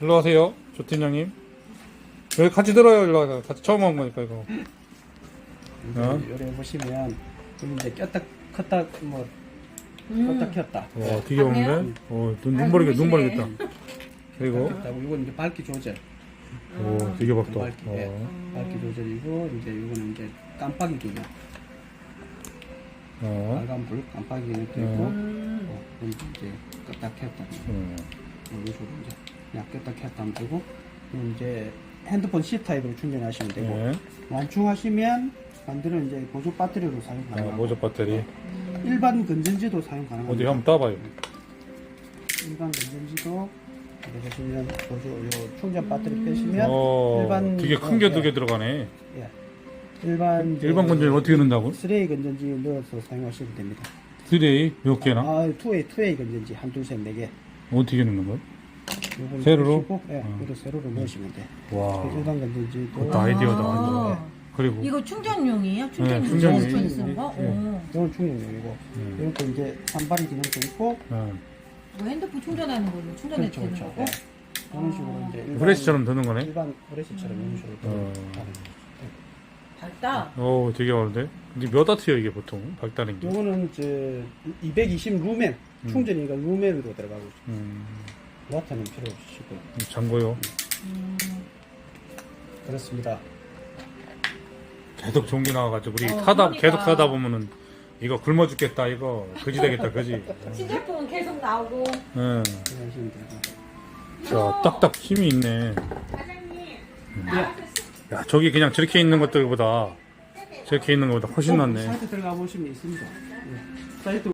일로 와세요, 조팀장님. 여기 같이 들어요. 일로 와서 같이 처음 온 거니까 이거. 요래 보시면 이제 꼈다 컸다 뭐 껐다 켰다. 되게 먹네. 눈 버리겠다. 그리고 이건 이제 밝기 조절. 되게 밝다. 밝기, 밝기 조절이고 이제 이거는 이제 깜빡이 기능. 빨간 불 깜빡이 기능도 있고, 이제 껐다 켰다. 이런 식으로 이제 그냥 껐다 켰다 하면 되고, 이제 핸드폰 C 타입으로 충전하시면 되고, 완충하시면 반대로 이제 보조 배터리로 사용 가능하고, 보조 배터리. 일반 건전지도 사용 가능합니다. 어디 한번 따봐요. 일반 건전지도 여기 보시면 보조 요 충전 배터리 빼시면 일반 되게 큰 게 두 개 들어가네. 예. 일반 건전지 어떻게 넣는다고? 3A 건전지 넣어서 사용하시면 됩니다. 3A 몇 개나? 2A 건전지 한 둘 셋 네 개. 어떻게 넣는 거야? 요걸 세로로? 넣으시고, 예, 이거 세로로 넣으시면 돼. 와, 일반 건전지도 그것도 아이디어다. 아. 그리고 이거 충전용이에요? 충전용 충전용이에요. 충전 쓰는 거? 이건 충전용이고, 이것도 이제 산발이 기능도 있고, 뭐 핸드폰 충전하는 걸로 충전해 그렇죠, 되는 그렇죠. 거고? 예. 이런 식으로 이제 일반 브레시처럼 드는 거네. 일반 브레시처럼 이런 식으로 밝다. 되게 많은데. 근데 몇 와트요 이게 보통 밝다는 게? 요거는 이제 220 루멘 충전이니까 루멘으로 들어가고 있어요. 와트는 필요 없으시고. 잠궈요. 그렇습니다. 계속 전기 나와가지고 우리 그러니까. 계속 타다 보면은 이거 굶어 죽겠다 이거 그지 되겠다 그지. 신제품은 계속 나오고. 응. 하시면 되고. 자, 딱딱 힘이 있네. 야, 저기 그냥 저렇게 있는 것들보다 훨씬 낫네. 사이트 들어가 보시면 있습니다. 예. 사이트